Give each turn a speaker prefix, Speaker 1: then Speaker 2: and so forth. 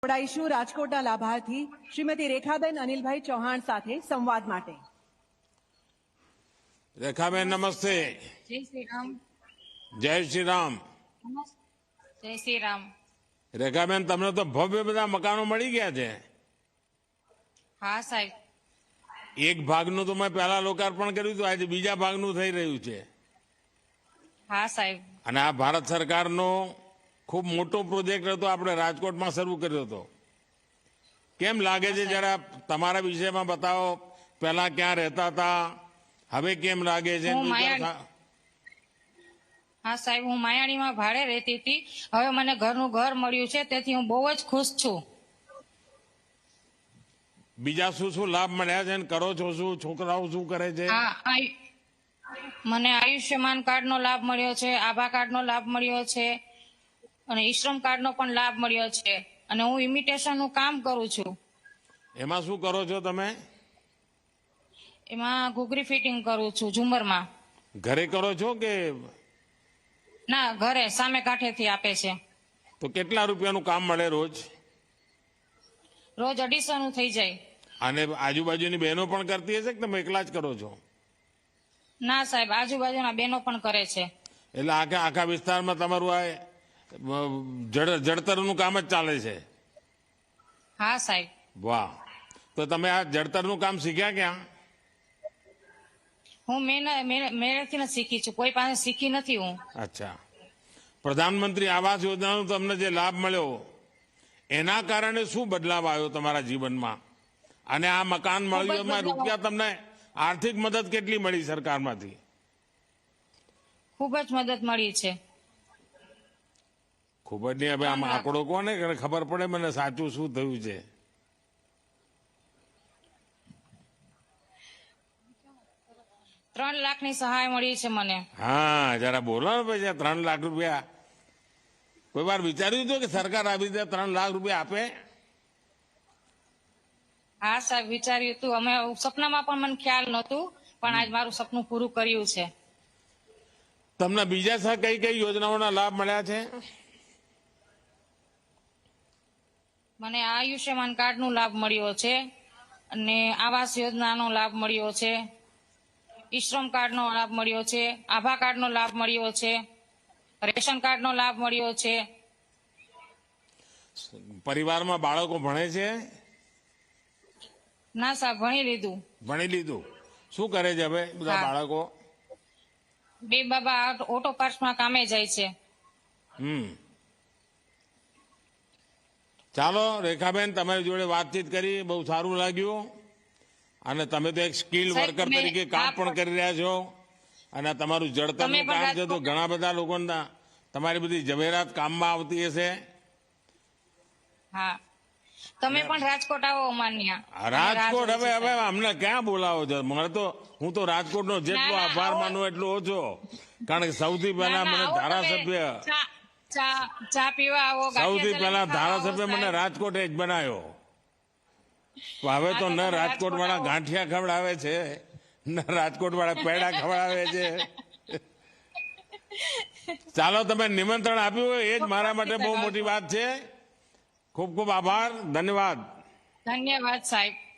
Speaker 1: જોડાઈશું રાજકોટના લાભાર્થી શ્રીમતી રેખાબેન અનિલભાઈ ચૌહાણ સાથે સંવાદ માટે।
Speaker 2: રેખાબેન નમસ્તે।
Speaker 3: જય શ્રી રામ।
Speaker 2: જય શ્રી રામ।
Speaker 3: જય શ્રી રામ।
Speaker 2: રેખાબેન તમને તો ભવ્ય બધા મકાનો મળી ગયા છે।
Speaker 3: હા સાહેબ।
Speaker 2: એક ભાગનું તો મેં પહેલા લોકાર્પણ કર્યું હતું, આજે બીજા ભાગનું થઈ રહ્યું છે।
Speaker 3: હા સાહેબ।
Speaker 2: અને આ ભારત સરકારનો ખૂબ મોટો પ્રોજેક્ટ હતો, આપણે રાજકોટમાં શરૂ કર્યો હતો। કેમ લાગે છે જરા તમારા વિષયમાં બતાવો, પહેલા ક્યાં રહેતા હતા, હવે કેમ લાગે છે?
Speaker 3: હા સાહેબ, હું માયાણીમાં ભાડે રહેતી હતી, હવે મને ઘરનું ઘર મળ્યું છે, તેથી હું બહુ જ ખુશ છું।
Speaker 2: બીજા શું શું લાભ મળ્યા છે, કરો છો શું, છોકરાઓ શું કરે છે?
Speaker 3: મને આયુષ્યમાન કાર્ડનો લાભ મળ્યો છે, આભા કાર્ડનો લાભ મળ્યો છે અને ઈશ્રમ કાર્ડનો પણ લાભ મળ્યો છે, અને હું ઇમિટેશનનું કામ કરું છું।
Speaker 2: એમાં શું કરો છો તમે?
Speaker 3: એમાં ઘૂઘરી ફિટિંગ કરું છું ઝુમરમાં।
Speaker 2: ઘરે કરો છો કે?
Speaker 3: ના, ઘરે સામે કાંઠેથી આપે છે।
Speaker 2: તો કેટલા રૂપિયાનું કામ મળે રોજ?
Speaker 3: રોજ 250 થઈ જાય।
Speaker 2: અને આજુબાજુની બહેનો પણ કરતી હશે કે તમે એકલા જ કરો છો?
Speaker 3: ના સાહેબ, આજુબાજુના બહેનો પણ કરે છે।
Speaker 2: એટલે આખા વિસ્તારમાં તમારું આ જડતરનું કામ જ ચાલે છે?
Speaker 3: હા સાહેબ।
Speaker 2: વાહ! તો તમે આ જડતરનું કામ શીખ્યા ક્યાં?
Speaker 3: હું મેળેથી શીખી છું, કોઈ પાસે શીખી નથી હું।
Speaker 2: અચ્છા। પ્રધાનમંત્રી આવાસ યોજનાનો તમને જે લાભ મળ્યો, એના કારણે શું બદલાવ આવ્યો તમારા જીવનમાં? અને આ મકાન મળ્યું, એમાં રૂપિયા તમને આર્થિક મદદ કેટલી મળી સરકારમાંથી?
Speaker 3: ખૂબ જ મદદ મળી છે।
Speaker 2: ખૂબ જ નહીં, હવે આમ આંકડો કોને ખબર પડે મને સાચું શું થયું છે?
Speaker 3: ₹3 લાખની સહાય મળી છે મને।
Speaker 2: હા, જરા બોલો ને પછી। 3 લાખ રૂપિયા કોઈ વાર વિચાર્યું હતું કે સરકાર આવી રીતે 3 લાખ રૂપિયા આપે?
Speaker 3: હા સાહેબ, વિચાર્યું હતું, અમે સપનામાં પણ મને ખ્યાલ નહોતું, પણ આજ મારું સપનું પૂરું કર્યું છે।
Speaker 2: તમને બીજા કઈ કઈ યોજનાઓના લાભ મળ્યા છે?
Speaker 3: મને આયુષ્યમાન કાર્ડનો લાભ મળ્યો છે, અને આવાસ યોજનાનો લાભ મળ્યો છે, ઈશ્રમ કાર્ડનો લાભ મળ્યો છે, આભા કાર્ડનો લાભ મળ્યો છે, રેશન કાર્ડનો લાભ મળ્યો છે।
Speaker 2: પરિવારમાં બાળકો ભણે છે?
Speaker 3: ના સાહેબ, ભણી લીધું।
Speaker 2: ભણી લીધું? શું કરે છે હવે બધા બાળકો?
Speaker 3: બે બાબા ઓટો પાર્ટ્સમાં કામે જાય છે।
Speaker 2: ચાલો રેખાબેન, તમારી જોડે વાતચીત કરી બહુ સારું લાગ્યું, અને તમે તો એક સ્કિલ વર્કર તરીકે કામ પણ કરી રહ્યા છો, અને તમારું જડતરનું કામ છે, તો ઘણા બધા લોકોના તમારી બધી જવેરાત કામમાં આવતી હશે।
Speaker 3: હા, તમે પણ રાજકોટ આવો અમાન્યા।
Speaker 2: રાજકોટ હવે અમને ક્યાં બોલાવો છો? હું તો રાજકોટનો જેટલો આભાર માનું એટલો ઓછો, કારણ કે સૌથી પહેલા મને ધારાસભ્ય સૌથી પહેલા ધારાસભ્ય મને રાજકોટ જ બનાવ્યો। હવે તો ન રાજકોટ વાળા ગાંઠિયા ખવડાવે છે, ન રાજકોટ વાળા પેડા ખવડાવે છે। ચાલો, તમે નિમંત્રણ આપ્યું એ જ મારા માટે બહુ મોટી વાત છે। ખૂબ ખૂબ આભાર, ધન્યવાદ।
Speaker 3: ધન્યવાદ સાહેબ।